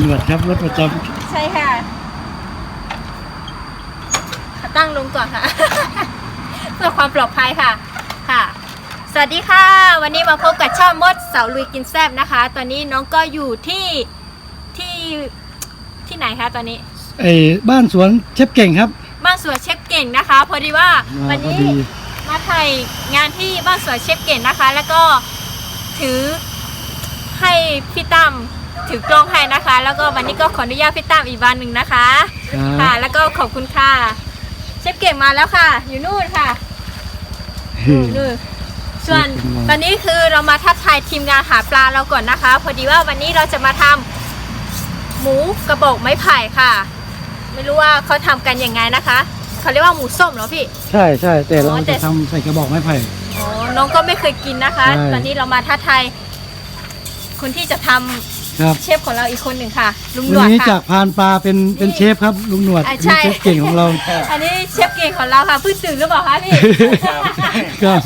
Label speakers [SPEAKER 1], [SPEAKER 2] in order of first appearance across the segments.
[SPEAKER 1] หนวดครับรถประจำ
[SPEAKER 2] ใช่ค่ะตั้งลงก่อนค่ะ เพื่อความปลอดภัยค่ะค่ะสวัสดีค่ะวันนี้มาพบกับช่องมดเสาลุยกินแซ่บนะคะตอนนี้น้องก็อยู่ที่ไหนคะตอนนี้
[SPEAKER 1] บ้านสวนเชฟเก่งครับ
[SPEAKER 2] บ้านสวนเชฟเก่งนะคะพอดีว่าวันนี้มาถ่ายงานที่บ้านสวนเชฟเก่งนะคะแล้วก็ถือให้พี่ตั้มถือกล้องให้นะคะ แล้วก็วันนี้ก็ขออนุญาตพี่ตั้มอีกวันหนึ่งนะคะค่ะแล้วก็ขอบคุณค่ะเชฟเก่งมาแล้วค่ะอยู่นู่นค่ะนู่นส่วนตอนนี้คือเรามาทักทายทีมงานหาปลาเราก่อนนะคะพอดีว่าวันนี้เราจะมาทำหมูกระบอกไม้ไผ่ค่ะไม่รู้ว่าเขาทำกันยังไงนะคะเขาเรียกว่าหมูส้มเหรอพี่
[SPEAKER 1] ใช่ใช่แต่เราจะทำใส่กระบอกไม้ไผ่
[SPEAKER 2] อ๋อน้องก็ไม่เคยกินนะคะตอนนี้เรามาทักทายคนที่จะทำเชฟของเราอีกคนหนึ่งค่ะลุงหนวดค่ะวันนี้
[SPEAKER 1] จากพานปลาเป็นเชฟครับลุงหนวดเชฟเก่งของเรา
[SPEAKER 2] อันนี้เชฟเก่งของเราค่ะเพิ่งตื่นหรือเปล่าคะพี่
[SPEAKER 1] ครับ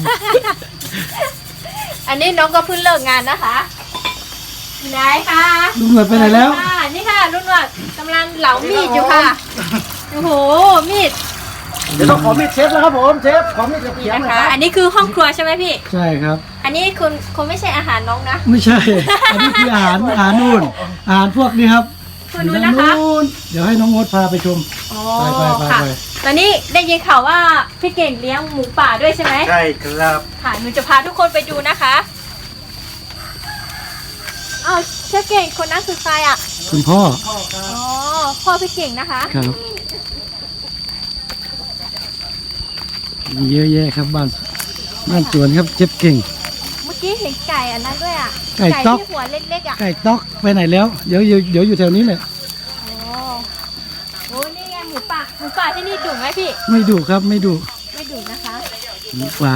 [SPEAKER 2] อันนี้น้องก็เพิ่งเลิกงานนะคะไหนคะ
[SPEAKER 1] ลุงหนวดไปไหนแล้ว
[SPEAKER 2] นี่ค่ะลุงหนวดกำลังเหลามีดอยู่ค่ะโอ้โหมีด
[SPEAKER 1] เดี๋ยวต้องขอมีดเชฟแล้วครับผมเชฟขอมีดกระเทียม
[SPEAKER 2] นะคะอันนี้คือห้องครัวใช่ไหมพี่
[SPEAKER 1] ใช่ครับ
[SPEAKER 2] อันนี้คุณไม่ใช่อาหารน้องนะ
[SPEAKER 1] ไม่ใช่อันนี้คืออาหารนู่นอาหารพวกนี้ครับ
[SPEAKER 2] คุณนู้นนะคะ
[SPEAKER 1] เดี๋ยวให้น้องมดพาไปชม
[SPEAKER 2] ไปตอนนี้ได้ยินข่าวว่าพี่เก่งเลี้ยงหมูป่าด้วยใช่ไหม
[SPEAKER 1] ใช่ครับ
[SPEAKER 2] ค่ะหนูจะพาทุกคนไปดูนะคะอ้าวเชฟเก่งคนนั้นคือใครอ่ะ
[SPEAKER 1] คุณพ่อ
[SPEAKER 2] อ๋อพ่อพี่เก่งนะคะ
[SPEAKER 1] ครับมีเยอะแยะครับบ้านสวนครับเชฟเก่ง
[SPEAKER 2] เมื่อกี้เห็นไก่อันนั้นด้วยอ่ะ
[SPEAKER 1] ไก่ต๊อก
[SPEAKER 2] ที่หัวเล็กๆอ่ะ
[SPEAKER 1] ไก่ต๊อกไปไหนแล้วเดี๋ยวอยู่แถวนี้แหละ
[SPEAKER 2] โอ้นี่ไงหมูป่าที่นี่ดุไหมพี่
[SPEAKER 1] ไม่ดุครับไม่ดุ
[SPEAKER 2] นะคะ
[SPEAKER 1] หมูป่า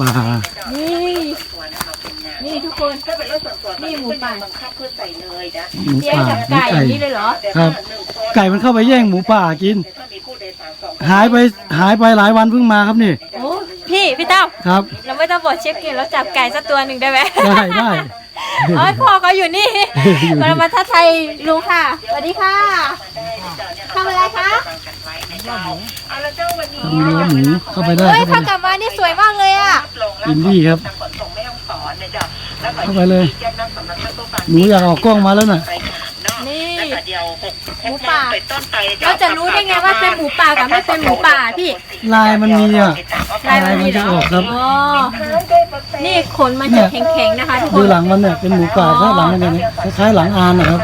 [SPEAKER 2] นี่ทุกคนนี่หมูป่า
[SPEAKER 1] หมูป่า
[SPEAKER 2] ไก่อย่างนี้เลยเหรอ
[SPEAKER 1] ครับไก่มันเข้าไปแย่งหมูป่ากินหายไปหลายวันเพิ่งมาครับนี่
[SPEAKER 2] โอ้พี่เต้า
[SPEAKER 1] ครับ
[SPEAKER 2] เราไม่ต้องบอกเชฟเก่งเราจับไก่สักตัวหนึ่งได้ไหม
[SPEAKER 1] ได้
[SPEAKER 2] พ่อเขาอยู่นี่เรามาทักทายลุงค่ะสวัสดีค่ะทำอะไรคะ
[SPEAKER 1] ทำเนื้อหมูเข้าไปได้
[SPEAKER 2] ถ้ากลับมานี่สวยมากเลยอ่ะ
[SPEAKER 1] อินดี้ครับเข้าไปเลยหนูอยากออกกล้องมาแล้วน่ะ
[SPEAKER 2] นี่หมูป่าเราจะรู้ได้ไงว่าเป็นหมูป่ากับไม่เป็นหมูป่าพี่
[SPEAKER 1] ลายมันมีอ่ะลายมันจะออกครับ
[SPEAKER 2] นี่ขนมันจะแข็งๆนะคะทุกคน
[SPEAKER 1] ดูหลังมันเนี่ยเป็นหมูป่าถ้าหลังมันเนี่ยคล้ายๆหลังอานนะครับ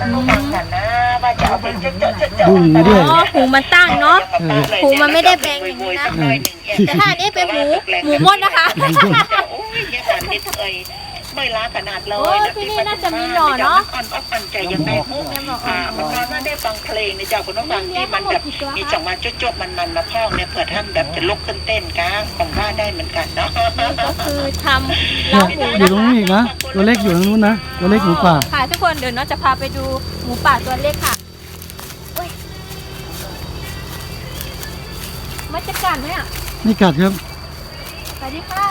[SPEAKER 1] ดูหมูด้วย
[SPEAKER 2] หูมันตั้งเนาะหูมันไม่ได้แบงอย่างนี้นะแต่ถ้าอันนี้เป็นหมูมดนะคะ
[SPEAKER 3] ไม่ล้าขนาดเลย
[SPEAKER 2] ที่นี่น่าจะมีหน่อเนาะ
[SPEAKER 3] อ่อนใจยังไม่พุ่งมันนอนมาได้ฟังเพลงในเจ้าคุณน้องฟังที่มันแบบมีจังหวะโจ๊กมันมาพ้องเนี่ยเผื่อท่านแบบจะลุกขึ้นเต้นก้างผมว่าได้เหมือนกันเนาะ
[SPEAKER 2] ก็คือทำเล้าหมู
[SPEAKER 1] อยู่ตรงนี้อีกนะตัวเล็กอยู่ตรงนู้นนะตัวเล็กหมูป่า
[SPEAKER 2] ค่ะทุกคนเดี๋ยวน้องจะพาไปดูหมูป่าตัวเล็กค่ะมันจะกัดไหมอ่ะ
[SPEAKER 1] ไม่กัดครับ
[SPEAKER 2] สวัสดีค่ะ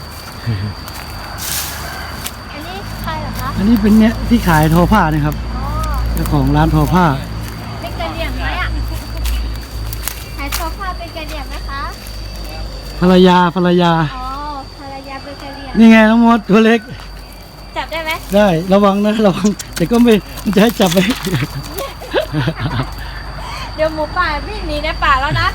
[SPEAKER 2] อันนี้ใครเหรอคะ
[SPEAKER 1] อันนี้เป็นเนี่ยที่ขายทอผ้านะครับเจ้าของร้านทอผ้า
[SPEAKER 2] เป็นกระเหลี่ยงไหมอ่ะขายทอผ้าเป็นกระเหลี่ยงนะคะ
[SPEAKER 1] ภรรยา
[SPEAKER 2] อ๋อภรรยาเป็นกระเหลี่ยง
[SPEAKER 1] นี่ไงน้องมดตัวเล็ก
[SPEAKER 2] จับได้ไหม
[SPEAKER 1] ได้ระวังนะระวังแต่ก็ไม่จะให้จับไป
[SPEAKER 2] เดี๋ยวหมูป่าวิ่งหนีในป่าแล้วนะ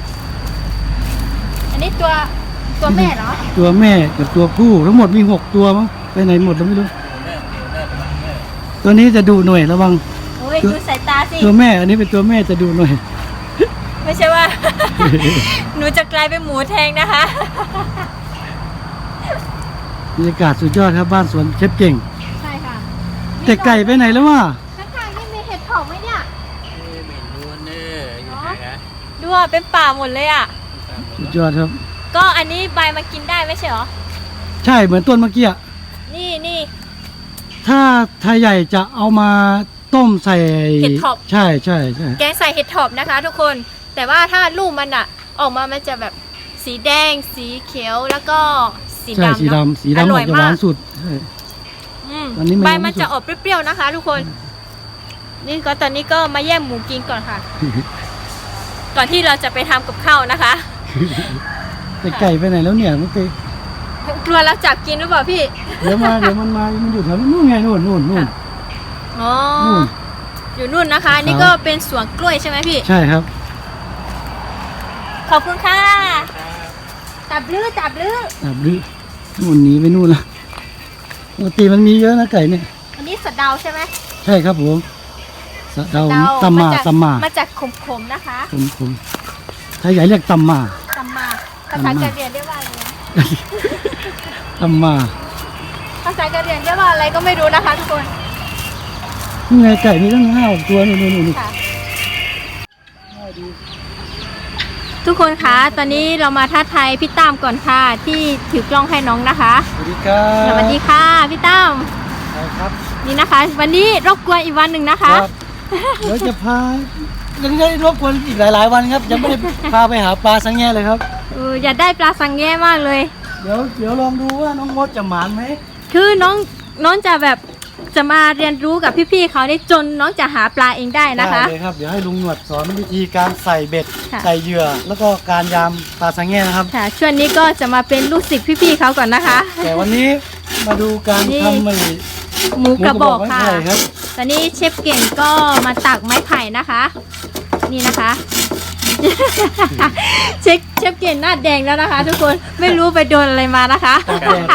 [SPEAKER 2] อันนี้ตัวแม่เหรอ
[SPEAKER 1] ตัวแม่กับตัวผู้ทั้งหมดมี6ตัวมั้งไปไหนหมดเราไม่รู้ตัวนี้จะดูหน่อยระวัง
[SPEAKER 2] โอ้ยดูสายตาสิ
[SPEAKER 1] ตัวแม่อันนี้เป็นตัวแม่จะดูหน่อย
[SPEAKER 2] ไม่ใช่ว่า หนูจะกลายเป็นหมูแทงนะคะ
[SPEAKER 1] บรรยากาศสุดยอดครับบ้านสวนเชฟเก่ง
[SPEAKER 2] ใช่ค่ะ
[SPEAKER 1] แต่ไก่ไปไหนแล้ววะ
[SPEAKER 2] ข้างๆนี่มีเห็ดเผาไหมเนี่ยดูว่าเป็นป่าหมดเลยอ่ะ
[SPEAKER 1] สุดยอดครับ
[SPEAKER 2] ก็อันนี้ใบมากินได้ไม่ใช่หรอ
[SPEAKER 1] ใช่เหมือนต้นเมื่อกี้
[SPEAKER 2] นี่
[SPEAKER 1] ถ้าใหญ่จะเอามาต้มใส่
[SPEAKER 2] เห็ดถอบ
[SPEAKER 1] ใช่
[SPEAKER 2] แกงใส่เห็ดถอบนะคะทุกคนแต่ว่าถ้าลูกมันอ่ะออกมามันจะแบบสีแดงสีเขียวแล้วก็สีดำ
[SPEAKER 1] สีดำออกจะหวานสุด
[SPEAKER 2] ใบมันจะออกเปรี้ยวๆนะคะทุกคนนี่ก็ตอนนี้ก็มาแย่งหมูกินก่อนค่ะ ก่อนที่เราจะไปทำกับข้าวนะคะ
[SPEAKER 1] แต่ไก่ไปไหนแล้วเนี่ยเมื่อกี้
[SPEAKER 2] กลัวเราจับกินหรือเปล่าพี่
[SPEAKER 1] เดี๋ยวมันมามันอยู่แถวนู้นไงนู่น
[SPEAKER 2] อ๋อ
[SPEAKER 1] นู่น
[SPEAKER 2] อยู่นู่นนะคะ นี่ก็เป็นสวนกล้วยใช่ไหมพี่
[SPEAKER 1] ใช่ครับ
[SPEAKER 2] ขอบคุณค่ะ จับลื้อ
[SPEAKER 1] แบบนี้นู่นหนีไปนู่นละปกติมันมีเยอะนะไก่เนี่ย
[SPEAKER 2] อันนี้สะเดาใช่ไหม
[SPEAKER 1] ใช่ครับผมสะเดาตำมา
[SPEAKER 2] มาจากขมๆนะคะ
[SPEAKER 1] ผมถ้าใหญ่เรียกตำมา
[SPEAKER 2] ตำมาภาษากะเหรี่ยงเรียกว่าอะไรนะ
[SPEAKER 1] ตำมา
[SPEAKER 2] ภาษากะเหรี่ยงเรียกว่าอะไรก็ไม่รู้นะคะทุกคน
[SPEAKER 1] นี่ไงไก่มีตั้ง5-6 ตัวนี่
[SPEAKER 2] ค่ะ ทุกคนคะตอนนี้เรามาท้าทายพี่ตั้มก่อนค่ะที่ถือกล้องให้น้องนะคะ
[SPEAKER 1] สวัสดีครับ
[SPEAKER 2] สวัสดีค่ะพี่ตั้ม
[SPEAKER 1] ครับ
[SPEAKER 2] นี่นะคะ วันนี้รบกวนอีกวันหนึ่งนะคะ
[SPEAKER 1] เดี๋ยวจะพายังได้รบกวนอีกหลายวันครับยังไม่ได้พาไปหาปลาสังแง่เลยครับ
[SPEAKER 2] อยากได้ปลาสังแง่มากเลย
[SPEAKER 1] เดี๋ยวลองดูว่าน้องมดจะหมานไหม
[SPEAKER 2] คือน้องจะแบบจะมาเรียนรู้กับพี่ๆเขานี่จนน้องจะหาปลาเองได้นะคะ
[SPEAKER 1] ได้เลยครับเดี๋ยวให้ลุงหนวดสอนวิธีการใส่เบ็ด
[SPEAKER 2] ค่ะ
[SPEAKER 1] ใส่เหยื่อแล้วก็การยามปลาสังแง่นะครับ
[SPEAKER 2] ค่ะช่วงนี้ก็จะมาเป็นลูกศิษย์พี่ๆเขาก่อนนะคะ
[SPEAKER 1] แต่วันนี้มาดูการ
[SPEAKER 2] นี่
[SPEAKER 1] ทำมัน
[SPEAKER 2] หมูกระบอกค่ะ
[SPEAKER 1] ไม้ไผ่ครับ
[SPEAKER 2] ตอนนี้เชฟเก่งก็มาตักไม้ไผ่นะคะ นี่นะคะ เชฟเก่งหน้าแดงแล้วนะคะ ทุกคนไม่รู้ไปโดนอะไรมานะคะ
[SPEAKER 1] ตากแดด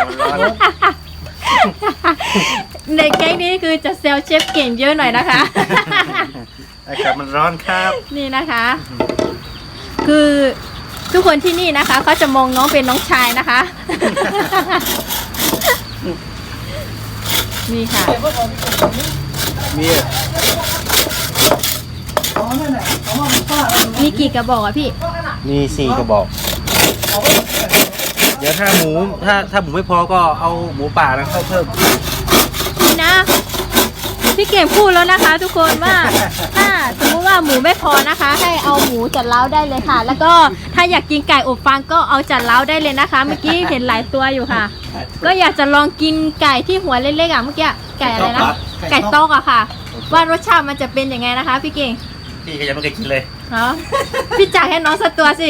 [SPEAKER 2] ในแก๊งนี้คือจะเซลเชฟเก่งเยอะหน่อยนะคะ
[SPEAKER 4] อากาศมันร้อนครับ
[SPEAKER 2] นี่นะคะ คือทุกคนที่นี่นะคะเขาจะมองน้องเป็นน้องชายนะคะ นี่ค่ะ
[SPEAKER 4] มี
[SPEAKER 1] อ๋อนั่นแหละเอามาเป็นป้า
[SPEAKER 2] มีกี่กระบอกอะพี่
[SPEAKER 4] มี4กระบอก เดี๋ยวถ้าหมูไม่พอก็เอาหมูป่านะเข้าเพิ่ม
[SPEAKER 2] นี่นะ พี่เก่งพูดแล้วนะคะ ทุกคนว่า ถ้าสมมติว่าหมูไม่พอนะคะ ให้เอาหมูจัดเล้าได้เลยค่ะ แล้วก็ถ้าอยากกินไก่อบฟางก็เอาจัดเล้าได้เลยนะคะ เมื่อกี้เห็นหลายตัวอยู่ค่ะ ก็อยากจะลองกินไก่ที่หัวเล็กๆอ่ะเมื่อกี้ไก่อะไรนะไก่ตอกอะค่ะ ว่ารสชาติมันจะเป็นยังไงนะคะ พี่เก่ง
[SPEAKER 4] พี่ก็ยังไม่เคยกินเลย
[SPEAKER 2] เหรอพี่จ่ายให้น้องสักตัวสิ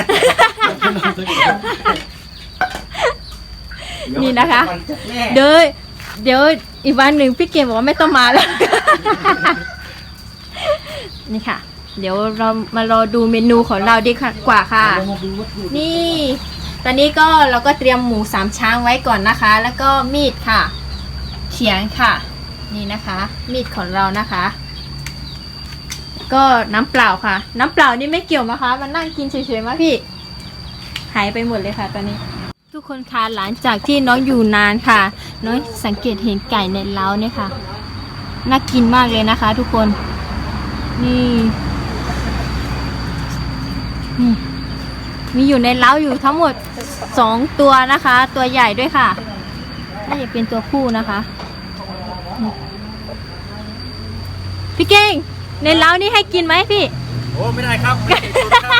[SPEAKER 2] นี่นะคะ เดี๋ยวอีกวันหนึ่งพี่เกมบอกว่าไม่ต้องมาแล้ว นี่ค่ะ เดี๋ยวเรามารอดูเมนูของเราดีกว่าค่ะ นี่ ตอนนี้ก็เราก็เตรียมหมู3ช้างไว้ก่อนนะคะ แล้วก็มีดค่ะ เขียงค่ะ นี่นะคะ มีดของเรานะคะ ก็น้ำเปล่าค่ะ น้ำเปล่านี่ไม่เกี่ยวนะคะมันนั่งกินเฉยๆมาพี่ หายไปหมดเลยค่ะตอนนี้ ทุกคนคะหลังจากที่น้องอยู่นานค่ะ น้องสังเกตเห็นไก่ในเล้าเนี่ยค่ะน่ากินมากเลยนะคะ ทุกคนนี่มีอยู่ในเล้าอยู่ทั้งหมด2ตัวนะคะ ตัวใหญ่ด้วยค่ะน่าจะเป็นตัวผู้นะคะพี่เก่งในเล้านี่ให้กินไหมพี่
[SPEAKER 4] โอ้ไม่ได้ครับไม่ได้ตุนครับ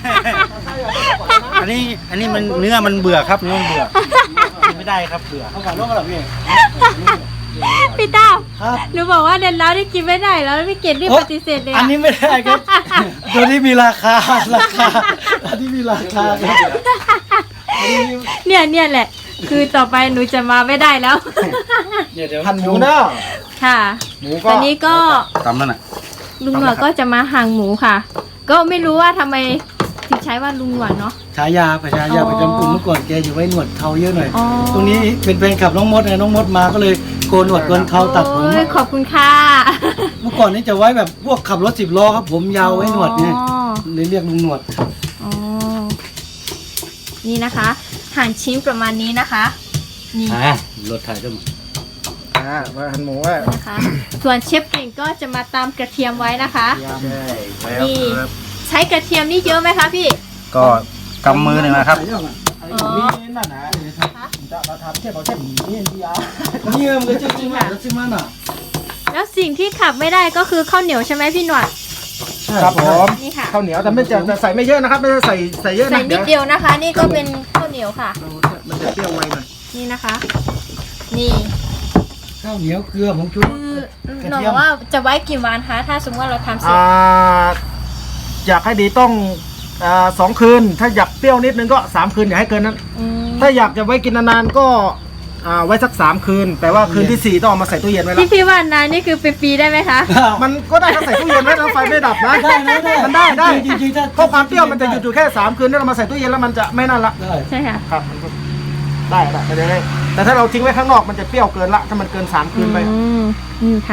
[SPEAKER 4] อันนี้มันเนื้อมันเบื่อครับเนื้อมันเบื่อกินไม่ได้ครับเบื่อ
[SPEAKER 1] เอาก่อนลงกันหรอพี่
[SPEAKER 2] พี่ต้า
[SPEAKER 1] ครับ
[SPEAKER 2] หนูบอกว่าเดินแล้วนี่กินไม่ได้แล้วพี่เกดรีบปฏิเสธเลย
[SPEAKER 1] อันนี้ไม่ได้ครับ ตัวนี้มีราคาอันนี้มีราคาครับอันนี้
[SPEAKER 2] เนี่ยแหละ คือต่อไปหนูจะมาไม่ได้แล้ว
[SPEAKER 1] เดี๋ยว
[SPEAKER 4] หั่นหมูเนาะ
[SPEAKER 2] ค่ะ
[SPEAKER 4] หมู
[SPEAKER 2] ต
[SPEAKER 4] ก็
[SPEAKER 2] อนนี้ก็
[SPEAKER 4] ตำนั่นน่ะ
[SPEAKER 2] ลุงหนวดก็จะมาหั่นหมูค่ะ ก็ไม่รู้ว่าทำไมถึงใช้ว่าลุงหนวดเนาะ
[SPEAKER 1] ฉายาประจำกลุ่มเมื่อก่อนแกอยู่ไว้หนวดเขาเยอะหน่อย
[SPEAKER 2] อ๋อ
[SPEAKER 1] ตรงนี้เป็นแฟนคลับน้องมดไงน้องมดมาก็เลยโกนหนวดโกนเขาตัดผม
[SPEAKER 2] โอ้ยขอบคุณค่ะ
[SPEAKER 1] เมื่อก่อนนี่จะไว้แบบพวกขับรถ10 ล้อครับผมยาวไว้หนวดเนี่ย
[SPEAKER 2] อ๋อ
[SPEAKER 1] เลยเรียกลุงหนวด
[SPEAKER 2] อ๋อนี่นะคะหั่นชิ้นประมาณนี้นะคะ นี่
[SPEAKER 1] รถถ่ายด้วยมั้ย
[SPEAKER 4] มาหั่นหมูว่า
[SPEAKER 2] นะคะ ส่วนเชฟเก่งก็จะมาตามกระเทียมไว้นะคะ
[SPEAKER 4] ใช่แล้ว
[SPEAKER 2] นี่
[SPEAKER 4] ครับ
[SPEAKER 2] ใช้กระเทียมนี่เยอะไหมคะพี่
[SPEAKER 4] ก็กำมือหนึ่งนะครับ
[SPEAKER 1] นี่นั่นนะจะมาทำแค่เขาแค่หนีเนี่ยมันก็จริงๆแล้วใช่ไหมน่ะ
[SPEAKER 2] แล้วสิ่งที่ขับไม่ได้ก็คือข้าวเหนียวใช่ไหมพี่หนวด
[SPEAKER 4] ครับผม
[SPEAKER 2] นี่ค่ะ
[SPEAKER 4] ข้าวเหนียวแต่ไม่จะใส่ไม่เยอะนะครับไม่ได้ใส่เยอะ
[SPEAKER 2] ใส่
[SPEAKER 4] นะ
[SPEAKER 2] นิดเดียวนะคะ นี่ก็เป็นข้าวเหนียวค่ะ
[SPEAKER 4] มันจะเปรี้ยวไวหน่อย
[SPEAKER 2] นี่นะคะ นี่
[SPEAKER 1] ข้าวเหนียวเกลือผงชูรส
[SPEAKER 2] คือหนูบอกว่าจะไว้กี่วันคะถ้าสมมติว่าเราทำเสร็จ
[SPEAKER 4] อยากให้ดีต้อง2 คืน ถ้าอยากเปรี้ยวนิดนึงก็3 คืนอย่าให้เกินนั้น ถ้าอยากจะไว้กินนานๆก็ไว้สัก3 คืน แต่ว่าคืนที่ 4ต้องเอามาใส่ตู้เย็นไว้แล้ว
[SPEAKER 2] พี่ว่านานนี่คือเป็นปีได้ไหมคะ
[SPEAKER 4] มันก็ได้ถ้าใส่ตู้เย็นไว้แล้วไฟไม่ดับนะ
[SPEAKER 1] ได้
[SPEAKER 4] มันได้
[SPEAKER 1] จริงๆถ้า
[SPEAKER 4] เพราะความเปรี้ยวมันจะหยุดอยู่แค่3 คืนถ้าเรามาใส่ตู้เย็นแล้วมันจะไม่นั่นละ
[SPEAKER 1] ได้
[SPEAKER 2] ใช่ค่ะ
[SPEAKER 4] ครับมันก็ได้ไปเลย แต่ถ้าเราทิ้งไว้ข้างนอกมันจะเปรี้ยวเกินละถ้ามันเกิน3 คืนไป
[SPEAKER 2] นี่ค่ะ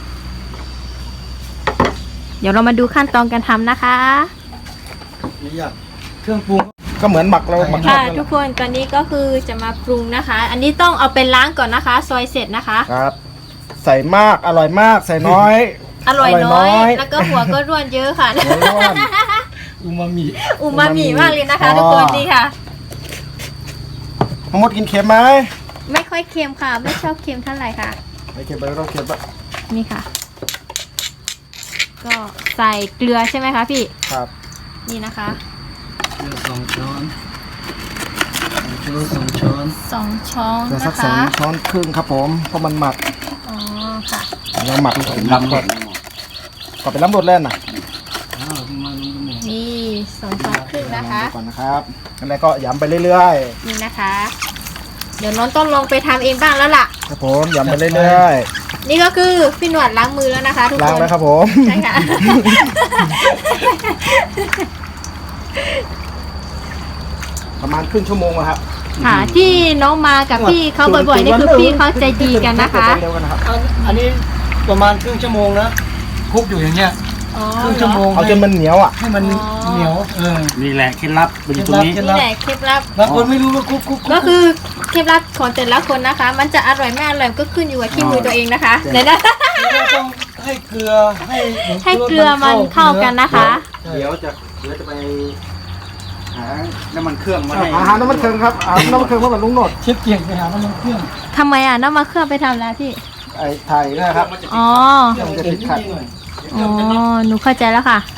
[SPEAKER 2] เดี๋ยวเรามาดูขั้นตอนการทำนะคะ
[SPEAKER 1] ไม่อยากเครื่องปรุง
[SPEAKER 4] ก็เหมือนหมักเราหมักทอ
[SPEAKER 2] ค่ะ
[SPEAKER 4] ดนั่นแห
[SPEAKER 2] ทุ
[SPEAKER 4] ละ
[SPEAKER 2] กคนตอนนี้ก็คือจะมาปรุงนะคะ อันนี้ต้องเอาไปล้างก่อนนะคะ ซอยเสร็จนะคะ
[SPEAKER 4] ครับ ใส่มากอร่อยมากใส่น้อย
[SPEAKER 2] อร่อยน้อย แล้วก็หัวก็ร่วนเยอะค่ะ
[SPEAKER 4] หัวร้อน
[SPEAKER 1] อูมามิ
[SPEAKER 2] อูมามิมากเลยนะคะ ทุกคนนี่ค่ะ
[SPEAKER 4] ทั้งหมดกินเค็มไหม
[SPEAKER 2] ไม่ค่อยเค็มค่ะ ไม่ชอบเค็มเท่าไหร่ค่ะ
[SPEAKER 4] ไม่เค็มไปก็ต้องเค็มปะ
[SPEAKER 2] นี่ค่ะ ก็ใส่เกลือใช่ไหมคะพี่
[SPEAKER 4] ครับ
[SPEAKER 2] นี่นะคะ
[SPEAKER 1] เกลือ2 ช้อน2 ช้อน
[SPEAKER 2] 2 ช้อน
[SPEAKER 4] เกลือสั
[SPEAKER 2] นะ
[SPEAKER 4] ก2
[SPEAKER 2] คะ
[SPEAKER 4] ช้อนครึ่งครับผมเพราะมันหมัก
[SPEAKER 2] อ๋อค่ะ
[SPEAKER 4] เราหมักล้ำก่อนก่อนไปล้ำรสแล่นน่ะ
[SPEAKER 1] อ้าวมาลงกันหมด
[SPEAKER 2] นี่2 ช้อนครึ่งนะคะ
[SPEAKER 4] ก่อนนะครับแล้วก็ย้ำไปเรื่อย
[SPEAKER 2] นี่นะคะ เดี๋ยวน้องต้องลงไปทำเองบ้างแล้วล่ะ
[SPEAKER 4] ๆครับผมย้ำไปเรื่อย
[SPEAKER 2] นี่ก็คือพี่หนวดล้างมือแล้วนะคะ ทุก
[SPEAKER 4] ๆล้าง
[SPEAKER 2] คน
[SPEAKER 4] แล้วครับผม
[SPEAKER 2] ใช่ค่ะ
[SPEAKER 4] ประมาณครึ่งชั่วโมงอะครับ
[SPEAKER 2] ค่ะที่น้องมากับพี่เขาบ่อยๆนี่คือพี่เขาใจดีกันนะคะ
[SPEAKER 4] เร็วกันนะครับ
[SPEAKER 1] อันนี้ประมาณครึ่งชั่วโมงนะคลุกอยู่อย่างเงี้ย
[SPEAKER 2] อ๋อ
[SPEAKER 1] ครึ่งชั่วโมง
[SPEAKER 4] เอาจนมันเหนียวอ่ะ
[SPEAKER 1] ให้มันเหนียว
[SPEAKER 4] นี่แหละเคล็ดลับมันอยู่ตรงนี้
[SPEAKER 2] นี่แหละเคล็ดลับ
[SPEAKER 1] บางคนไม่รู้ว่าคลุก
[SPEAKER 2] ก็คือเคล็ดลับของแต่ละคนนะคะ มันจะอร่อยไม่อร่อยก็ขึ้นอยู่กับที่มือตัวเองนะคะเดี๋ยวนะ
[SPEAKER 1] ต้องให้เกลือให้
[SPEAKER 2] ให้เกลือมันเข้ากันนะคะ
[SPEAKER 4] เดี๋ยวจะไปหาน้ำมันเครื่องมาให้หาน้ำมันเครื่องครับหาน้ำมันเครื่องมากับลุงโนด
[SPEAKER 1] เชฟเก่งไปหาน้ำมันเครื่อง
[SPEAKER 2] ทำไมอ่ะน้ำมาเครื่องไปทำแล้วพี่
[SPEAKER 4] ไอ้ไทยนะครับ
[SPEAKER 2] อ๋อ
[SPEAKER 1] เครื่องเก่งนิดหน่อย
[SPEAKER 2] อ๋อ หนูเข้าใจแล้วค่ะ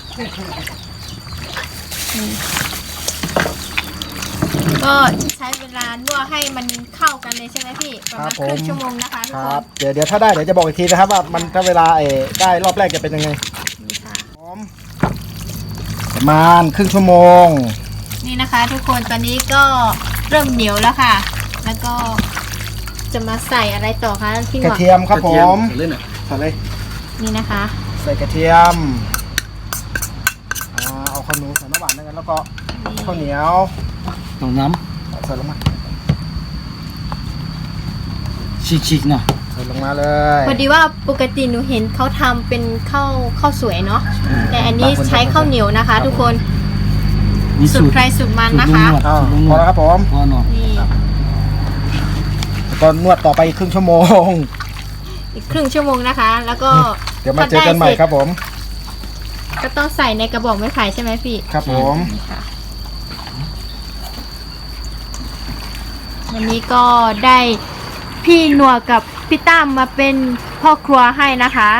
[SPEAKER 2] ก็ใช้เวลานวดให้มันเข้ากันเลยใช่ไหมพี่ ประมาณครึ่งชั่วโมงนะคะทุก
[SPEAKER 4] ค
[SPEAKER 2] ค
[SPEAKER 4] รับ
[SPEAKER 2] น
[SPEAKER 4] เดี๋ยวถ้าได้เดี๋ยวจะบอกอีกทีนะครับว่ามันถ้าเวลาได้รอบแรกจะเป็นยังไง
[SPEAKER 2] นี่ค่ะ
[SPEAKER 4] ประมาณครึ่งชั่วโมง
[SPEAKER 2] นี่นะคะทุกคนตอนนี้ก็เริ่มเหนียวแล้วค่ะ แล้วก็จะมาใส่อะไรต่อคะพี่ห
[SPEAKER 4] กระ
[SPEAKER 2] มอ
[SPEAKER 4] เทียมครับผม
[SPEAKER 1] เล่นอ่ะ
[SPEAKER 4] ใส่เลย
[SPEAKER 2] นี่นะคะ
[SPEAKER 4] ใส่กระเทียมเอาข้าวเหนียวใส่น้ำหวานด้วยกันแล้วก็ข้าวเหนียว
[SPEAKER 1] ต้องน้
[SPEAKER 4] ใส่ลงมา
[SPEAKER 1] ำฉีกๆหน่อย
[SPEAKER 4] ใส่ลงมาเลย
[SPEAKER 2] พอดีว่าปกติหนูเห็นเขาทำเป็นข้าวสวยเนาะแต่อันนี้ใช้ข้าวเหนียวนะคะ ทุกคน
[SPEAKER 1] มี
[SPEAKER 2] สูตรใครสูตรมันนะคะ
[SPEAKER 4] อ้าวพอแล้วครับผม
[SPEAKER 1] พอหน่อย
[SPEAKER 2] นี่
[SPEAKER 4] แล้วก็นวดต่อไปอีกครึ่งชั่วโมง
[SPEAKER 2] อีกครึ่งชั่วโมงนะคะ แล้วก็
[SPEAKER 4] เดี๋ยวมาเจอกันใหม่ครับผม
[SPEAKER 2] ก็ต้องใส่ในกระบอกไม้ไผ่ใช่ไหมพี่
[SPEAKER 4] ครับผม
[SPEAKER 2] นี่ค่ะวันนี้ก็ได้พี่หนัวกับพี่ตั้มมาเป็นพ่อครัวให้นะคะ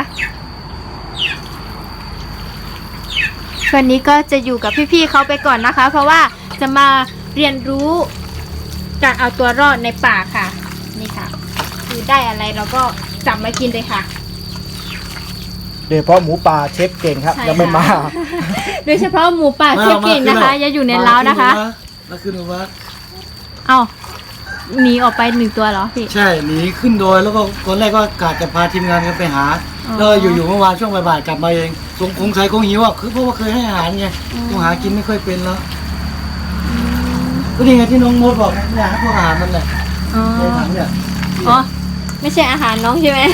[SPEAKER 2] วันนี้ก็จะอยู่กับพี่ๆเขาไปก่อนนะคะ เพราะว่าจะมาเรียนรู้การเอาตัวรอดในป่าค่ะ นี่ค่ะ คือได้อะไรเราก็จับมากินเลยค่ะ
[SPEAKER 4] โดยเฉพาะหมูป่าเชฟเก่งครับ
[SPEAKER 2] ใช่
[SPEAKER 4] ยังไม่มา
[SPEAKER 2] ค่ะ โดยเฉพาะหมูป่าเชฟเก่งนะคะอย่าอยู่ในเล้านะคะ
[SPEAKER 1] แล้วขึ้นมา
[SPEAKER 2] เอ้าหนีออกไป1 ตัวเหรอพี่
[SPEAKER 1] ใช่หนีขึ้นดอยแล้วก็ตอนแรกก็กะจะพาทีมงานกันไปหา
[SPEAKER 2] อ๋อ
[SPEAKER 1] แล้วอยู่ๆเมื่อวานช่วงบ่ายๆกลับมาเองคงใส่คงหิวอ่ะคือเพราะว่าเคยให้อาหารไงคงหากินไม่ค่อยเป็นแล้วก็นี่ไงที่น้องมดบอกเนี่ยให้พวกอาหารมันแหละ
[SPEAKER 2] อ๋อ
[SPEAKER 1] ในถังเนี่ย
[SPEAKER 2] อ๋อไม่ใช่อาหารน้องใช่ไหม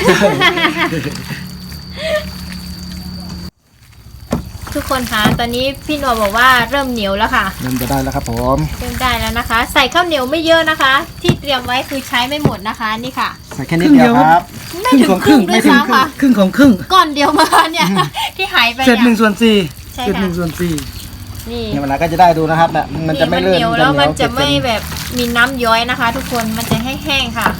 [SPEAKER 2] ทุกคนคะตอนนี้พี่หนัวบอกว่าเริ่มเหนียวแล้วค่ะ
[SPEAKER 4] เริ่มจะได้แล้วครับผม
[SPEAKER 2] เริ่มได้แล้วนะคะ ใส่ข้าวเหนียวไม่เยอะนะคะ ที่เตรียมไว้คือใช้ไม่หมดนะคะนี่ค่ะ
[SPEAKER 4] ใส่แค่นิดเดียวครับ
[SPEAKER 2] ไม่ถึงครึ่งด้วยซ้ำค่ะ
[SPEAKER 1] ครึ่งของครึ่ง
[SPEAKER 2] ก้อนเดียวมาเนี่ย ที่หายไป
[SPEAKER 1] เศษ
[SPEAKER 2] เนี่ย
[SPEAKER 1] 1/4
[SPEAKER 2] ใช่
[SPEAKER 1] เศษ
[SPEAKER 2] ค่ะ
[SPEAKER 1] 1/4
[SPEAKER 2] นี่
[SPEAKER 4] เนี่ยเวลาก็จะได้ดูนะครับเนี่ยมันจะไม่เลื่อน
[SPEAKER 2] เหนียวแล้วมันจะไม่แบบมีน้ำย้อยนะคะ ทุกคนมันจะแห้งๆค่ะ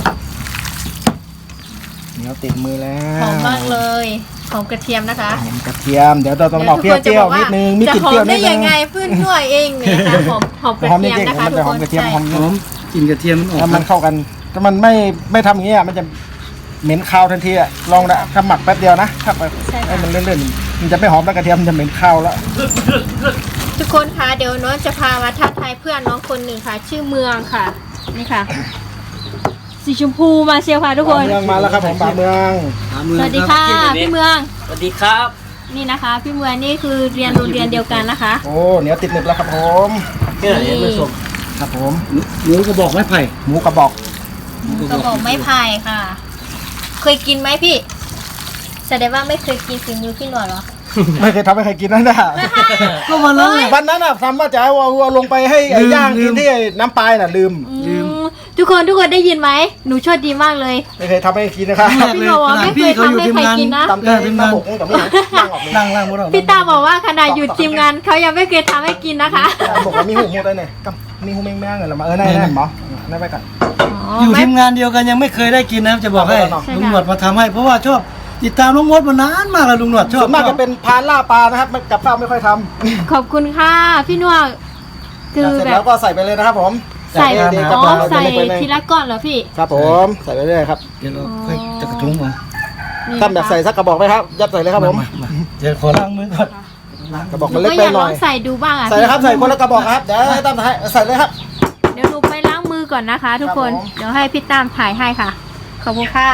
[SPEAKER 4] เหนียวติดมือแล้ว
[SPEAKER 2] หอมมากเลยหอมกระเทียมนะคะ
[SPEAKER 4] หอมกระเทียมเดี๋ยวเราต้องออกเปรี้ยวๆนิดนึงมีกลิ่นเปรี้ยวนิด
[SPEAKER 2] จะหอมได้
[SPEAKER 4] นึ
[SPEAKER 2] ยัง งไงเพื่อนหน่วยเองเนี่ยค่ะหอมกระ
[SPEAKER 4] หอม
[SPEAKER 2] เที
[SPEAKER 4] นิด
[SPEAKER 2] ยม
[SPEAKER 4] นึง
[SPEAKER 2] นะคะ
[SPEAKER 4] มัน
[SPEAKER 2] ทุ
[SPEAKER 4] จะ
[SPEAKER 2] ก
[SPEAKER 4] ห
[SPEAKER 2] ค
[SPEAKER 4] อม
[SPEAKER 2] น
[SPEAKER 4] กระเทียมหอม
[SPEAKER 1] หอมกลิ่นกระเทียมมันออก
[SPEAKER 4] ถ้ามันเข้ากันถ้ามันไม่ทำอย่างเงี้ยมันจะเหม็นคาวทันทีอ่ะลองนะถ้าหมักแป๊บเดียวนะถ้าไปให้มันเลื่อนๆมันจะไม่หอมแล้วกระเทียมมันจะเหม็นคาวแล้ว
[SPEAKER 2] ทุกคนคะเดี๋ยวน้องจะพามาทักทายเพื่อนน้องคนหนึ่งค่ะ ชื่อเมืองค่ะนี่ค่ะ สีชมพูมาเชียวค่ะทุกคน
[SPEAKER 4] เมืองมาแล้วครับผมป่าเมือง
[SPEAKER 2] สวัสดีค่ะพี่เมือง
[SPEAKER 5] สวัสดีครับ
[SPEAKER 2] นี่นะคะ พี่เมืองนี่คือเรียนโรงเรียนเดียวกันนะคะ
[SPEAKER 4] โอ้เหนียวติดหนึบแล้วครับผม
[SPEAKER 1] นี่เห็นไหมส้ม
[SPEAKER 4] ครับผม
[SPEAKER 1] หมูกระบอกไม้ไผ่
[SPEAKER 4] หมูกระบอก
[SPEAKER 2] กระบอกไม้ไผ่ค่ะ เคยกินไหมพี่ แสดงว่าไม่เคยกินฝีมือพี่หนวดเหรอ
[SPEAKER 4] ไม่เคยทำให้ใครกินนั่นนะ
[SPEAKER 1] ก็วันนั้นแหละ
[SPEAKER 4] วันนั้นอ่ะทำว่าจะเอาวัวลงไปให้
[SPEAKER 1] ลืม
[SPEAKER 4] ย่าง
[SPEAKER 1] ลื
[SPEAKER 4] กิน
[SPEAKER 1] ม
[SPEAKER 4] ที่น้ำปลายน่ะลืม
[SPEAKER 2] ทุกคนได้ยินไหมหนูโชดดีมากเลย
[SPEAKER 4] ไม่เคยทำให้กินนะครับ
[SPEAKER 1] แรกเลยขนาดพี่เขาอยู่ทีมงาน
[SPEAKER 2] พี่บอกว่าไม่เคยทำให้ใครกินนะ
[SPEAKER 4] ตำเต้นตำบกนี่กับไม่ย่างออกเลย
[SPEAKER 1] ล่างหมดแล้ว
[SPEAKER 2] พี่ตาบอกว่าขนาดอยู่ทีมงานเขายังไม่เคยทำให้กินนะคะ
[SPEAKER 4] บอกว่ามีหูมูได้เนี่ยกับมีหูแมงแมงเงินละมานั่นหมอนั่นไปก่อน
[SPEAKER 1] อยู่ทีมงานเดียวกันยังไม่เคยได้กินนะครับจะบอกให้
[SPEAKER 4] ใช่ค่ะ
[SPEAKER 1] ลุงหนวดมาทำให้เพราะว่าชอบติดตามลุงมดมานานมากแล้วลุงหนวดชอบ
[SPEAKER 4] ส่วนมากจะเป็นพานล่าปลานะครับกับข้าวไม่ค่อยทำ
[SPEAKER 2] ขอบคุณค่ะพี่นวดคือ
[SPEAKER 4] เสร็จ
[SPEAKER 2] แบ
[SPEAKER 4] แล้
[SPEAKER 2] บ
[SPEAKER 4] วก็ใส่ไปเลยนะครับผม
[SPEAKER 2] ใส่
[SPEAKER 4] เด็ก
[SPEAKER 2] อ๋
[SPEAKER 4] ๆ
[SPEAKER 2] อ
[SPEAKER 4] กับ
[SPEAKER 2] ใส่
[SPEAKER 4] เด็กๆไปเลย
[SPEAKER 2] ทีละก้อนเหรอพี่
[SPEAKER 4] ครับผมใส่ไปเรื่อยครับ
[SPEAKER 1] เดี๋ยวเราค่อยจะกระทุ้งมา
[SPEAKER 2] นี่
[SPEAKER 4] ท่านแบบใส่สักกระบอกไหมครับยัดใส่เลยครับผม
[SPEAKER 1] มาเดี๋ยวขอล้างมือก่อน
[SPEAKER 4] กระบอก
[SPEAKER 2] หนู
[SPEAKER 4] มันเล็ก
[SPEAKER 2] ก็
[SPEAKER 4] ไป
[SPEAKER 2] อยาก
[SPEAKER 4] ห
[SPEAKER 2] ล
[SPEAKER 4] น่
[SPEAKER 2] อ
[SPEAKER 4] อย
[SPEAKER 2] งใส่ดูบ้างอ่ะ
[SPEAKER 4] ใส่เลยครับใส่คนละกระบอกครับเดี๋ยวให้ตั้มใส่เลยครับ
[SPEAKER 2] เดี๋ยวหนูไปล้างมือก่อนนะคะ ทุกคน
[SPEAKER 4] ครับผม
[SPEAKER 2] เดี๋ยวให้พี่ตามถ่ายให้ค่ะ ขอบคุณค่ะ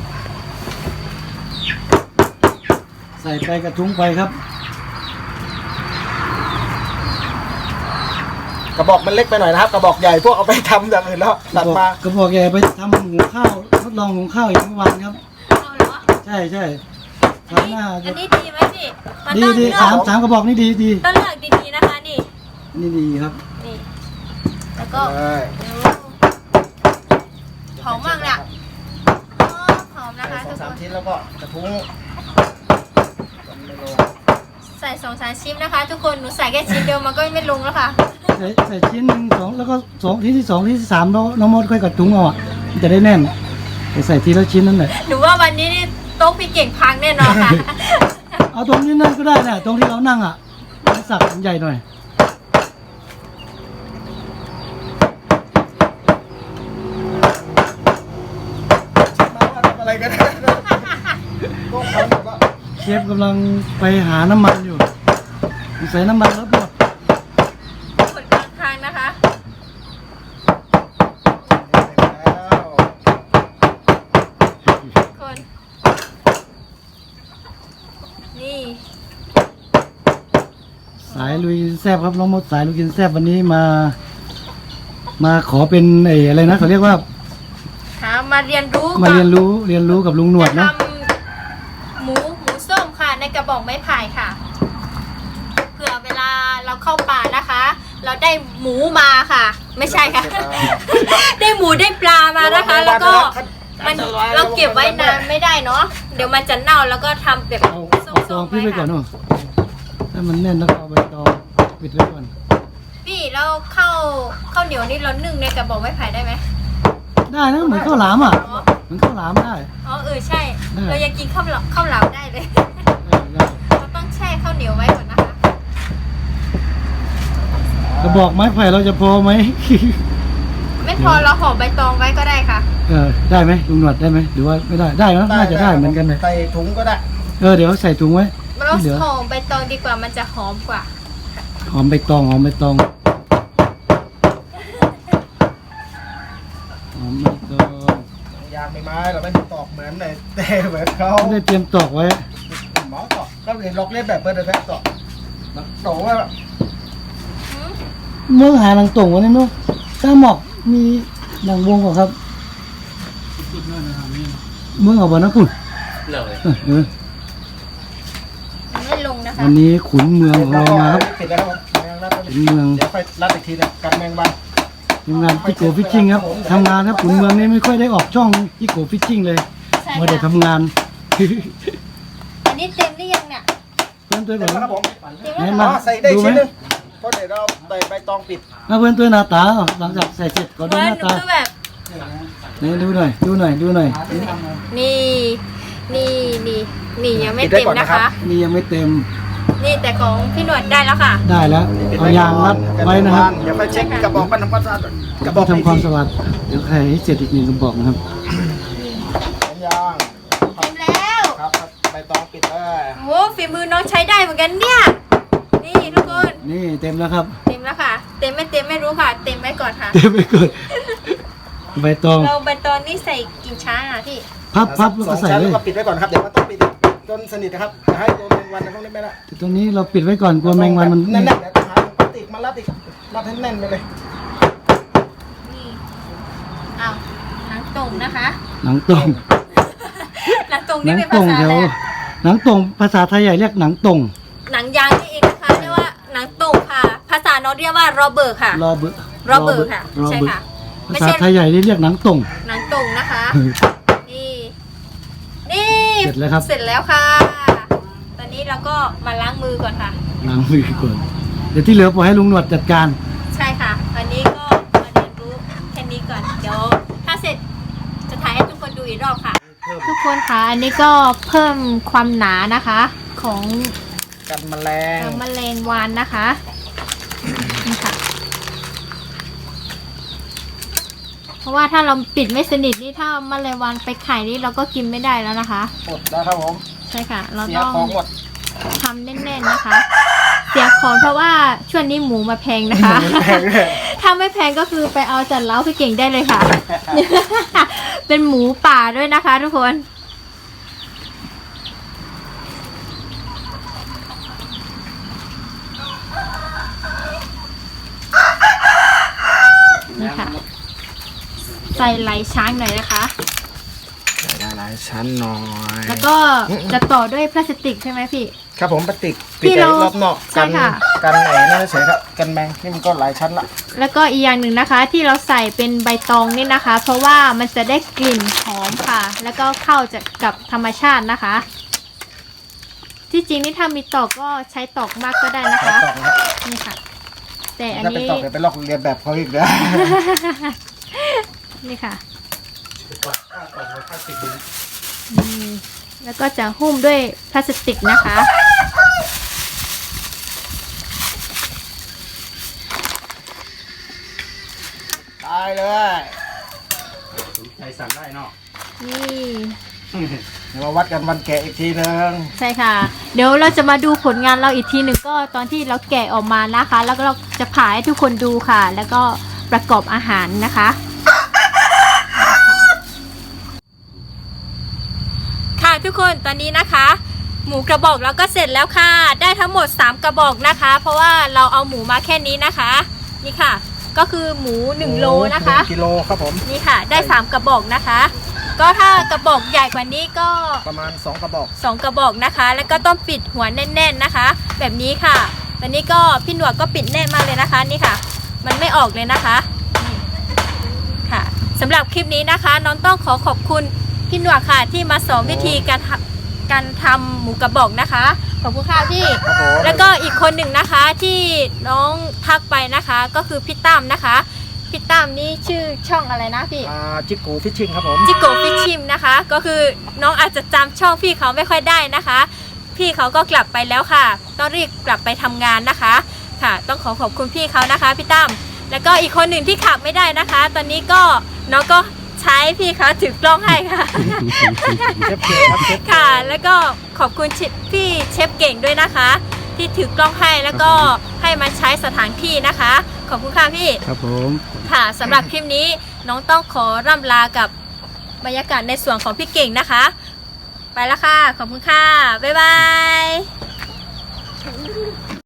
[SPEAKER 1] ใส่ไปกระทุ้งไปครับ
[SPEAKER 4] กระบอกมันเล็กไปหน่อยนะครับกระบอกใหญ่พวกเอาไปทำอย่างอื่นแล้วตัดมาก
[SPEAKER 1] ระบอกใหญ่ไปทำหุงข้าวทดลองหุงข้าวอีกเมื่อวานครับ
[SPEAKER 2] เอาเหรอ
[SPEAKER 1] ใช่ใช่
[SPEAKER 2] อั
[SPEAKER 1] ทำ
[SPEAKER 2] น
[SPEAKER 1] ห
[SPEAKER 2] นี้
[SPEAKER 1] น้า
[SPEAKER 2] อันนี้ดีไหมพี่มัน
[SPEAKER 1] ดี
[SPEAKER 2] ต้อง
[SPEAKER 1] ดี
[SPEAKER 2] เลือก
[SPEAKER 1] สามกระบอกนี่ดีดี
[SPEAKER 2] ต้องเลือกดีๆนะคะนี่
[SPEAKER 1] นี่ดีครับ
[SPEAKER 2] นี่ แล้วก็
[SPEAKER 4] ใช่
[SPEAKER 2] เดี๋ยวหอมมากเลยอะอ๋อหอมนะคะ
[SPEAKER 4] ใส่
[SPEAKER 2] ทุก
[SPEAKER 4] สา
[SPEAKER 2] ค
[SPEAKER 4] ม
[SPEAKER 2] น
[SPEAKER 4] ชิ้นแล้วก็กระทุ้ง
[SPEAKER 2] ใส่2-3ชิ้นนะคะ ทุกคนหนูใส่แค่ชิ้นเดียวมันก็ไม่ลงแล้วค่ะ
[SPEAKER 1] ใส่ชิ้นหนึ่งสองแล้วก็สองที่สองที่สามน้องมดค่อยกระทุ้งเอาอ่ะมันจะได้แน่นไปใส่ทีละชิ้นนั่นแหละ
[SPEAKER 2] หนูว่าวันนี้นี่โต๊ะพี่เก่งพังแน่นอนค่ะ
[SPEAKER 1] เอาตรงนี้นั่นก็ได้นะตรงที่เรานั่งอ่ะสักใหญ่หน่อย
[SPEAKER 4] อะไรกันพวกเขาแบบว่า
[SPEAKER 1] เชฟกำลังไปหาน้ำมันอยู่ใส่น้ำมันแล้วหมด
[SPEAKER 2] กดกลางทางนะคะ คน นี่
[SPEAKER 1] สายลุยแซบครับน้องมดสายลุยกินแซบวันนี้มาขอเป็นไอ้อะไรนะเขาเรียกว่า
[SPEAKER 2] มาเรียนรู้
[SPEAKER 1] มาเรียนรู้กับลุงหนวด
[SPEAKER 2] จะ
[SPEAKER 1] นะ
[SPEAKER 2] ทำหมูส้มค่ะ ในกระบอกไม้ไผ่ค่ะ เผื่อเวลาเราเข้าป่านะคะ เราได้หมูมาค่ะ ไม่ใช่ค่ะ ได้หมูได้ปลามานะคะ แล้วก็มันเราเก็บไว้นานไม่ได้เนาะเดี๋ยวมันจะเน่าแล้วก็ทำแบบ
[SPEAKER 1] เอา
[SPEAKER 2] ส้
[SPEAKER 1] ตอง
[SPEAKER 2] มๆ
[SPEAKER 1] พี่ไป
[SPEAKER 2] ไว้
[SPEAKER 1] ก่อน
[SPEAKER 2] ค่ะ
[SPEAKER 1] เนาะถ้ามันแน่นแล้วก็เอาใบตองปิดไว้ก่อน
[SPEAKER 2] พี่แล้วข้าวเหนียวนี่เรานึ่งในกระบอกไม้ไผ่ได้ไหม
[SPEAKER 1] ได้นะเหมือนข้าวหลามอ่ะ
[SPEAKER 2] อ๋อ
[SPEAKER 1] เหมือนข้าวหลามได้
[SPEAKER 2] อ๋อใช่
[SPEAKER 1] ได้
[SPEAKER 2] เรายังกินข้าวเหลาได้เลย
[SPEAKER 1] ได้
[SPEAKER 2] เราต้องแช่ข้าวเหนียวไว้ก่อนนะคะ
[SPEAKER 1] กระบอกไม้ไผ่เราจะพอไหม
[SPEAKER 2] ไม่พอเราห่อใบตองไว้ก็ได้ค่ะ
[SPEAKER 1] ได้ไหมลุงหนวดได้ไหมหรือว่าไม่ได้ได้นะน่าจะได้เหมือนกันเลย
[SPEAKER 4] ใส่ถุงก็ได้
[SPEAKER 1] เดี๋ยวใส่ถุงไว้
[SPEAKER 2] เรา
[SPEAKER 1] ที่เหลือ
[SPEAKER 2] ห่อใบตองดีกว่ามันจะหอมกว่า
[SPEAKER 1] หอมใบตองหอมใบตองหอมใบตอง
[SPEAKER 4] ยางไม้เราไม่ตอกเหมือนในเต้เหมือนเขา
[SPEAKER 1] ไม่ได้เตรียมตอกไว้
[SPEAKER 4] หมอตอกก็เรียนล็อกเล่นแบบเปิดเลยแพ้ตอกตอกว่า
[SPEAKER 1] เมื่อหาหลังตรงวันนี้เนาะถ้าหมอกมีหลังวงก่อนครับเมื่อเอาบอลนะคุณ
[SPEAKER 5] เลย
[SPEAKER 1] เออ
[SPEAKER 2] มันไม่ลงนะคะ
[SPEAKER 1] วันนี้ขุนเมืองของเรามาครับ
[SPEAKER 4] ปิดแล้วครับแมงรัด
[SPEAKER 1] ขุนเมือง
[SPEAKER 4] เดี๋ยวไปรัดอีกทีนะกันแมงวัน
[SPEAKER 1] ทีมงานพี่โกฟิชชิ่งครับทำงานครับขุนเมืองนี่ไม่ค่อยได้ออกช่องพี่โกฟิชชิ่งเลย
[SPEAKER 2] ใช่
[SPEAKER 1] มาได้
[SPEAKER 2] ค่ะ
[SPEAKER 1] ทำงาน
[SPEAKER 2] อันนี้เต็มหรือยังเนี่ย
[SPEAKER 1] เพื่อนตัว
[SPEAKER 4] เดี๋
[SPEAKER 1] ก่
[SPEAKER 4] ย
[SPEAKER 1] อ
[SPEAKER 4] วน นะครับผม
[SPEAKER 2] เต็ม
[SPEAKER 1] ไหน
[SPEAKER 2] แล้ว
[SPEAKER 1] มา
[SPEAKER 4] ใส่ได้
[SPEAKER 1] ดูไหม
[SPEAKER 4] ชิ้นนึงเพราะเดี๋ยวเราใส่ใบตองปิด
[SPEAKER 1] มาเพื่อนตัวหน้าตาหลังจากใส่เสร็จก็ดู
[SPEAKER 2] เพื่อ
[SPEAKER 1] ห
[SPEAKER 2] น
[SPEAKER 1] น้า
[SPEAKER 2] หนู
[SPEAKER 1] ตา
[SPEAKER 2] คือแบบ
[SPEAKER 1] นี่ดูหน่อย
[SPEAKER 2] นี่ยังไม่เต็มนะคะ
[SPEAKER 1] นี่ยังไม่เต็ม
[SPEAKER 2] นี่แต่ของพี่หนวดได้แล้วค่ะ
[SPEAKER 1] ได้แล้วเอายางรัดไว้นะครับ
[SPEAKER 4] เดี๋ยวไปเช็คกระบอกมันทำความสะอาดกระบ
[SPEAKER 1] ก็
[SPEAKER 4] อก
[SPEAKER 1] ทำความสะอาดเดี๋ยวใครให้เสร็จอีกหนึ่งกระบอกนะครับ
[SPEAKER 4] ยาง
[SPEAKER 2] โอ้ฝีมือน้องใช้ได้เหมือนกันเนี่ยนี่ทุกคน
[SPEAKER 1] นี่เต็มแล้วครับ
[SPEAKER 2] เต็มแล้วค่ะ เต็มไม่รู้ค่ะ เต็มไว้ก่อนค่ะ
[SPEAKER 1] เต็มไปก่อนใบตอง
[SPEAKER 2] เราใบตองนี่ใส่กี่ช้าอ่ะพี่
[SPEAKER 1] พับแล้วก็ใส่
[SPEAKER 4] 2 ชั้น
[SPEAKER 1] เล
[SPEAKER 4] แล้
[SPEAKER 1] ยว
[SPEAKER 4] ก็ปิดไว้ก่อนครับเดี๋ยวมันต้องปิดจนสนิทนะครับอย่าให้โดนแมงวันในพวกนี้ไม่ได้
[SPEAKER 1] แต่ตรงนี้เราปิดไว้ก่อนกลัวแมงวันมัน
[SPEAKER 4] แน่นๆเดี๋ยวต้องหาพลาสติกมารัดอีกรัดให้แน่นไปเลย
[SPEAKER 2] นี่อ้าวหนังตรงนะคะ
[SPEAKER 1] หนังตรง
[SPEAKER 2] หนังตรง
[SPEAKER 1] หนั
[SPEAKER 2] นี่
[SPEAKER 1] ง
[SPEAKER 2] เป็น
[SPEAKER 1] ตร
[SPEAKER 2] ภาง ษา
[SPEAKER 1] แถ
[SPEAKER 2] อะไร
[SPEAKER 1] ว
[SPEAKER 2] อะ
[SPEAKER 1] หนังตรงภาษาไทยใหญ่เรียกหนังตรง
[SPEAKER 2] หนังยางนี่เองนะคะเรียกว่าหนังตรงค่ะ ภาษาน้องเรียกว่าโรเบิร์ตค่ะ
[SPEAKER 1] รอเบอร์
[SPEAKER 2] โรเบิร์ตค่ะใช่ค่ะ
[SPEAKER 1] ภาษาไทยใหญ่นี่เรียกหนังตรง
[SPEAKER 2] หนังตรงนะคะ นี่นี่
[SPEAKER 1] เสร็จแล้วครับ
[SPEAKER 2] เสร็จแล้วค่ะ ตอนนี้เราก็มาล้างมือก่อนค่ะ
[SPEAKER 1] ล้างมือก่อนเดี๋ยวที่เหลือปล่อยให้ลุงหนวดจัดการ
[SPEAKER 2] ใช่ค่ะ วันนี้ก็มาเรียนรู้แค่นี้ก่อน เดี๋ยวถ้าเสร็จจะถ่ายให้ทุกคนดูอีกรอบค่ะ ทุกคนค่ะ อันนี้ก็เพิ่มความหนานะคะ ของ
[SPEAKER 4] กันแมลง
[SPEAKER 2] แมลงวันนะคะนี่ค่ะ เพราะว่าถ้าเราปิดไม่สนิทนี่ถ้าแมลงวันไปไข่นี่เราก็กินไม่ได้แล้วนะคะ
[SPEAKER 4] หมดแล้วครับผม
[SPEAKER 2] ใช่ค่ะ เรา
[SPEAKER 4] เสีย
[SPEAKER 2] ต้อง
[SPEAKER 4] ของหมด
[SPEAKER 2] ทำแน่นๆนะคะ เสียของเพราะว่าช่วงนี้หมูมาแพงนะคะ
[SPEAKER 4] แพงเลย
[SPEAKER 2] ถ้าไม่แพงก็คือไปเอาจัดเล้าพี่เก่งได้เลยค่ะ เป็นหมูป่าด้วยนะคะทุกคน นี่ค่ะ ใส่ไหลช้างหน่อยนะคะ
[SPEAKER 4] ได้หลายชั้นหน่อย
[SPEAKER 2] แล้วก็จะต่อด้วยพลาสติกใช่ไหมพี่
[SPEAKER 4] ครับผมพลาสติก
[SPEAKER 2] ที่
[SPEAKER 4] ปิด
[SPEAKER 2] เรา
[SPEAKER 4] รอบนอก
[SPEAKER 2] ใช่ค่ะ
[SPEAKER 4] กันไหนนั่นเฉยครับกันแมงนี่มันก็หลายชั้นละ
[SPEAKER 2] แล้วก็อีกอย่างหนึ่งนะคะ ที่เราใส่เป็นใบตองนี่นะคะ เพราะว่ามันจะได้กลิ่นหอมค่ะ แล้วก็เข้ากับธรรมชาตินะคะ ที่จริงนี่ถ้ามีตอกก็ใช้ตอกมากก็ได้นะคะ
[SPEAKER 4] ต่อครับ
[SPEAKER 2] นี่ค่ะ แต่อัน
[SPEAKER 4] ถ้าเป็น
[SPEAKER 2] นี้
[SPEAKER 4] ต่อเดี๋ยวไปลอกเรียนแบบเขาอีกเด้อ
[SPEAKER 2] นี่ค่ะอืมแล้วก็จะหุ้มด้วยพลาสติกนะคะ
[SPEAKER 4] ได้เลย
[SPEAKER 5] ใครสั่งได้เนาะ
[SPEAKER 2] นี่
[SPEAKER 4] เดี๋ยวมาวัดกันวันแกะอีกทีนึง
[SPEAKER 2] ใช่ค่ะ เดี๋ยวเราจะมาดูผลงานเราอีกทีหนึ่งก็ตอนที่เราแกะออกมานะคะ แล้วก็เราจะผ่าให้ทุกคนดูค่ะ แล้วก็ประกอบอาหารนะคะ ค่ะทุกคนตอนนี้นะคะ หมูกระบอกเราก็เสร็จแล้วค่ะ ได้ทั้งหมด3กระบอกนะคะ เพราะว่าเราเอาหมูมาแค่นี้นะคะ นี่ค่ะ ก็คือหมู1โลนะคะ
[SPEAKER 4] 1 กิโลครับผม
[SPEAKER 2] นี่ค่ะได้3กระบอกนะคะ ก็ถ้ากระบอกใหญ่กว่านี้ก็
[SPEAKER 4] ประมาณ2 กระบอก
[SPEAKER 2] 2 กระบอกนะคะ แล้วก็ต้องปิดหัวแน่น ๆนะคะ แบบนี้ค่ะตอนนี้ก็พี่หนวดก็ปิดแน่นมากเลยนะคะนี่ค่ะ มันไม่ออกเลยนะคะนี่ค่ะสำหรับคลิปนี้นะคะ น้องต้องขอบคุณพี่หนวดค่ะที่มาสอนวิธีการทำหมูกระบอกนะคะขอบคุณค่ะพี่
[SPEAKER 4] ครับผม
[SPEAKER 2] แล้วก็อีกคนหนึ่งนะคะที่น้องทักไปนะคะ ก็คือพี่ตั้มนะคะพี่ตั้มนี่ชื่อช่องอะไรนะพี่
[SPEAKER 4] จิกโกฟิชชิ่งครับผม
[SPEAKER 2] จิโกฟิชชิมนะคะ ก็คือน้องอาจจะจำช่องพี่เขาไม่ค่อยได้นะคะ พี่เขาก็กลับไปแล้วค่ะ ต้องรีบกลับไปทำงานนะคะค่ะ ต้องขอบคุณพี่เขานะคะพี่ตั้มแล้วก็อีกคนหนึ่งที่ขับไม่ได้นะคะ ตอนนี้ก็น้องก็ใช้พี่เขาถือกล้องให้ค่ะ
[SPEAKER 4] เชฟเก่งครับเชฟ
[SPEAKER 2] ค่ะ แล้วก็ขอบคุณพี่เชฟเก่งด้วยนะคะ ที่ถือกล้องให้แล้วก็ให้มาใช้สถานที่นะคะ ขอบคุณค่ะพี่
[SPEAKER 1] ครับผม
[SPEAKER 2] ค่ะสำหรับคลิปนี้น้องต้องขอร่ำลากับบรรยากาศในส่วนของพี่เก่งนะคะ ไปแล้วค่ะ ขอบคุณค่ะ บ๊ายบาย